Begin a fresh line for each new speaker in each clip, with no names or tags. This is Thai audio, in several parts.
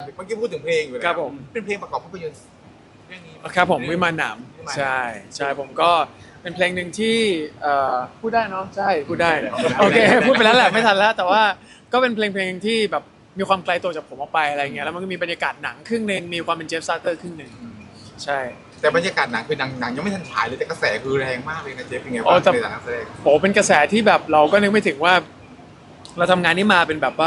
เมื่อกี้พูดถึงเพลงอยู่นะครับ
ผม
เป็นเพลงประกอบภาพยนตร์เรื่องนี้
ครับผมวิมานหนามใช่ใช่ผมก็เป็นเพลงหนึ่งที่พูดได้เนาะใช่พูดได้โอเคพูดไปแล้วแหละไม่ทันแล้วแต่ว่าก็เป็นเพลงที่แบบมีความไกลตัวจากผมออกไปอะไรเงี้ยแล้วมันก็มีบรรยากาศหนังครึ่งหนึ่งมีความเป็นเจฟซาเตอร์ครึ่งหนึ่งใช่
แต่บรรยากาศหนังคือหนังยังไม่ทันฉายเลยแต่กระแสคือแรงมากเลยนะเจฟเป็นไง
โอ้
บ้าง
แต่
ในฐานะนักแสดง
โหเป็นกระแสที่แบบเราก็นึกไม่ถึงว่า เราทำงานนี้มาเป็นแบบว่า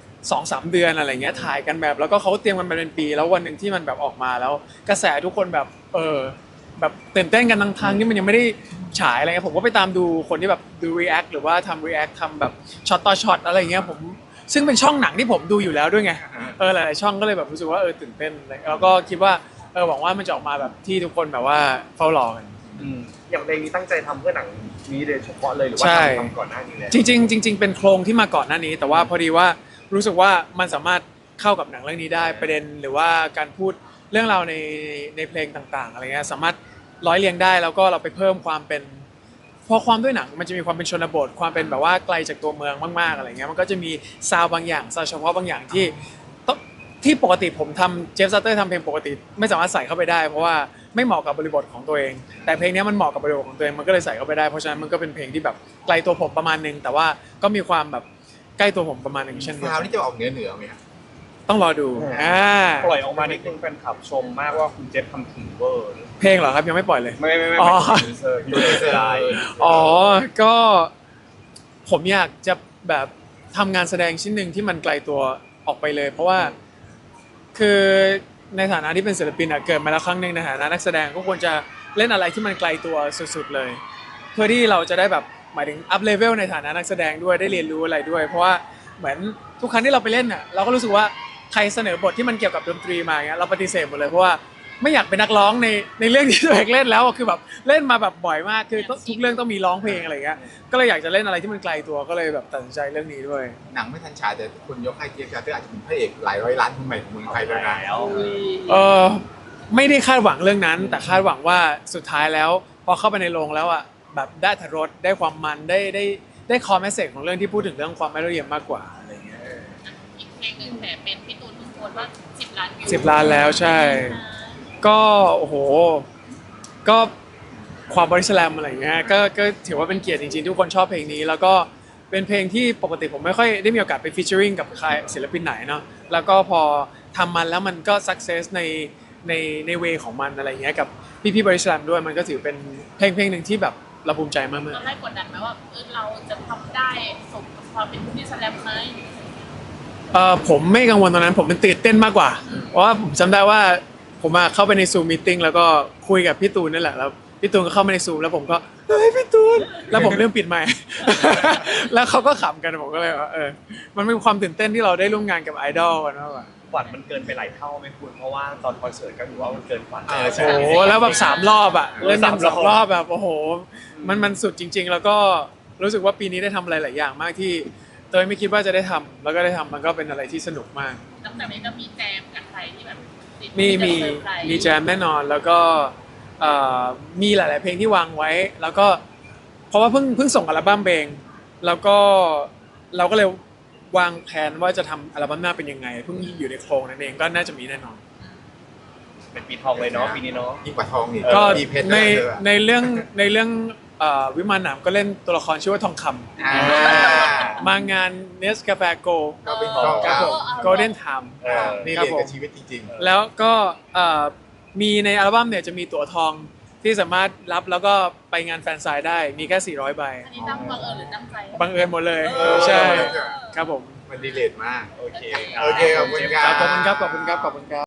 2-3 เดือนอะไรเงี้ยถ่ายกันแบบแล้วก็เขาเตรียมกันมาเป็นปี แล้ววันหนึ่งที่มันแบบออกมาแล้ว กระแสทุกคนแบบแบบตื่นเต้นกันทั้งทางที่มันยังไม่ได้ฉายอะไรเงี้ยผมก็ไปตามดูคนที่แบบดู react หรือว่าทำ react ทำแบบช็อตต่อช็อตอะไรเงี้ยผมซึ่งเป็นช่องหนังที่ผมดูอยู่แล้วด้วยไงหลายๆช่องก็เลยแบบรู้สึกว่าตื่นเต้นแล้วก็คิดว่าหวังว่ามันจะออกมาแบบที่ทุกคนแบบว่าเฝ้ารอกัน
อย่างเพลงนี้ตั้งใจทำเพื่อหนังนี้โดยเฉพาะเลยหรือว่า
ใช่
ทำก่อนหน้านี้แล้ว
จริงๆเป็นโครงที่มาก่อนหน้านี้ แต่ว่าพอดีว่ารู้สึกว่ามันสามารถเข้ากับหนังเรื่องนี้ได้ประเด็นหรือว่าการพูดเรื่องราวในเพลงต่างๆอะไรเงี้ยสามารถร้อยเรียงได้แล้วก็เราไปเพิ่มความเป็นพอความด้วยหนังมันจะมีความเป็นชนบทความเป็นแบบว่าไกลจากตัวเมืองมากๆอะไรเงี้ยมันก็จะมีซาวด์บางอย่างซาวด์เฉพาะบางอย่างที่ปกติผมทำเจฟซัตเตอร์ทำเพลงปกติไม่สามารถใส่เข้าไปได้เพราะว่าไม่เหมาะกับบริบทของตัวเองแต่เพลงนี้มันเหมาะกับบริบทของตัวเองมันก็เลยใส่เข้าไปได้เพราะฉะนั้นมันก็เป็นเพลงที่แบบไกลตัวผมประมาณนึงแต่ว่าก็มีความแบบใกล้ตัวผมประมาณนึงเช่นเดียว
ซาว
กัน
นี่จะออกเหนือไหมครับ
ต้องรอดู
ปล่อยออกมานิดนึงแฟนคลับชมมากว่าคุณเจฟทำถึงเวอร์
เพลงเหรอครับยังไม่ปล่อยเลย
ไม่
อ๋อ
เซอร์อยู่ในใจ
อ๋อก็ผมอยากจะแบบทำงานแสดงชิ้นหนึ่งที่มันไกลตัวออกไปเลย เพราะว่าคือในฐานะที่เป็นศิลปินอะเกิดมาแล้วครั้งหนึ่งในฐานะนักแสดงก็ควรจะเล่นอะไรที่มันไกลตัวสุดๆเลย เพื่อที่เราจะได้แบบหมายถึงอัพเลเวลในฐานะนักแสดงด้วยได้เรียนรู้อะไรด้วย เพราะว่าเหมือนทุกครั้งที่เราไปเล่นอะเราก็รู้สึกว่าใครเสนอบทที่มันเกี่ยวกับดนตรีมาเงี้ยเราปฏิเสธหมดเลยเพราะว่าไม่อยากเป็นนักร้องในเรื่องที่ตัวเองเล่นแล้วอะคือแบบเล่นมาแบบบ่อยมากคือทุกเรื่องต้องมีร้องเพลงอะไรเงี้ยก็เลยอยากจะเล่นอะไรที่มันไกลตัวก็เลยแบบตัดสินใจเรื่องนี้ด้วย
หนังไม่ทันฉายแต่คุณยกให้เจฟซาเตอร์อาจจะเป็นพระเอกหลายร้อยล้านคนใหม่ของเมืองไทยแล้วนะ
เออไม่ได้คาดหวังเรื่องนั้น แต่คาดหวังว่าสุดท้ายแล้วพอเข้าไปในโรงแล้วอ่ะแบบได้อรรถรสได้ความมันได้คอมเมสเซจของเรื่องที่พูดถึงเรื่องความไม่ละเอียดมากกว่าอะไรเงี้ย
อีกเพลงหนึ่งแต่เป็นพี่ตูนเพิ่งโพสต์ว่า10 ล้านวิว
10 ล้านแล้วใช่ ก็โอ้โหก็ความบริสแลมอะไรเงี้ยก็ถือว่าเป็นเกียรติจริงๆทุกคนชอบเพลงนี้ แล้วก็เป็นเพลงที่ปกติผมไม่ค่อยได้มีโอกาสไปฟีเจอริงกับใครศิลปินไหนเนาะแล้วก็พอทำมันแล้วมันก็สักเซสในเวของมันอะไรเงี้ยกับพี่บริสแลมด้วยมันก็ถือเป็นเพลงหนึ่งที่แบบเราภูมิใจมาก
ตอนแรกกดดันไหมว่าเราจะทำได้สมกับความเป็นพี่แสลมไหม
ผมไม่กังวลตรงนั้นผมเป็นตื่นเต้นมากกว่าเพราะว่าผมจำได้ว่าผมเข้าไปในซูมมีตติ้งแล้วก็คุยกับพี่ตูนนั่นแหละแล้วพี่ตูนก็เข้ามาในซูมแล้วผมก็เฮ้ยพี่ตูนแล้วผมเริ่มปิดไมค์ แล้วเขาก็ขำกันผมก็เลยว่ามันเป็นความตื่นเต้นที่เราได้ร่วมงานกับไอดอลกันมากกว่า
ฝันมันเกินไปหลายเท่าไหมคุณเพราะว่าตอนคอนเสิร์ตก็ถือว่ามันเกินฝัน
ใช่
โอ้โหแล้วแบบ3 รอบอ่ะเล่นกัน
3
2 รอบแบบโอ้โหมันสุดจริง ๆ แล้วก็รู้สึกว่าปีนี้ได้ทำอะไรหลายอย่างมากที่เตยไม่คิดว่าจะได้ทำแล้วก็ได้ทำมันก็เป็นอะไรที่สนุกมาก
ตั้งแต่นี้ก็มีแจมกับใครที่แบบติด
มี
ที่จะเซอร์ไพรส์
มีแจมแน่นอนแล้วก็มีหลาย ๆ เพลงที่วางไว้ แล้วก็เพราะว่าเพิ่งส่งอัลบั้มเพลงแล้วก็เราก็เลยวางแผนว่าจะทำอัลบั้มหน้าเป็นยังไงเพิ่งอยู่ในโครงนั่นเองก็น่าจะมีแน่นอน
เป็นปีทองเลยเนาะปีนี้เนาะ
ยิ่งกว่าทองอีก
ก็
มีเพชร
ใน
ด้วย
ในเรื่องวิมานหนามก็เล่นตัวละครชื่อว่าทองค
อ่า
ำมางานเนสกาแฟโก
ก็เป็นทอง
ครับผม
คำ
โกลเด้นไทม์
นี่
ครับ
เรียน
ผม
กับชีวิตจริง
แล้วก็มีในอัลบั้มเนี่ยจะมีตั๋วทองที่สามารถรับแล้วก็ไปงานแฟนไซน์ได้มีแค่400 ใบ
อันนี้ตั้งบังเอิญหรือตั้งใจ
บังเอิญหมดเลย
ๆ
ใช่ครับผม
มันดีเลทมาก
โอเค
โอเคขอบคุณครับ
ขอบคุณครับขอบคุณครับขอบคุณครับ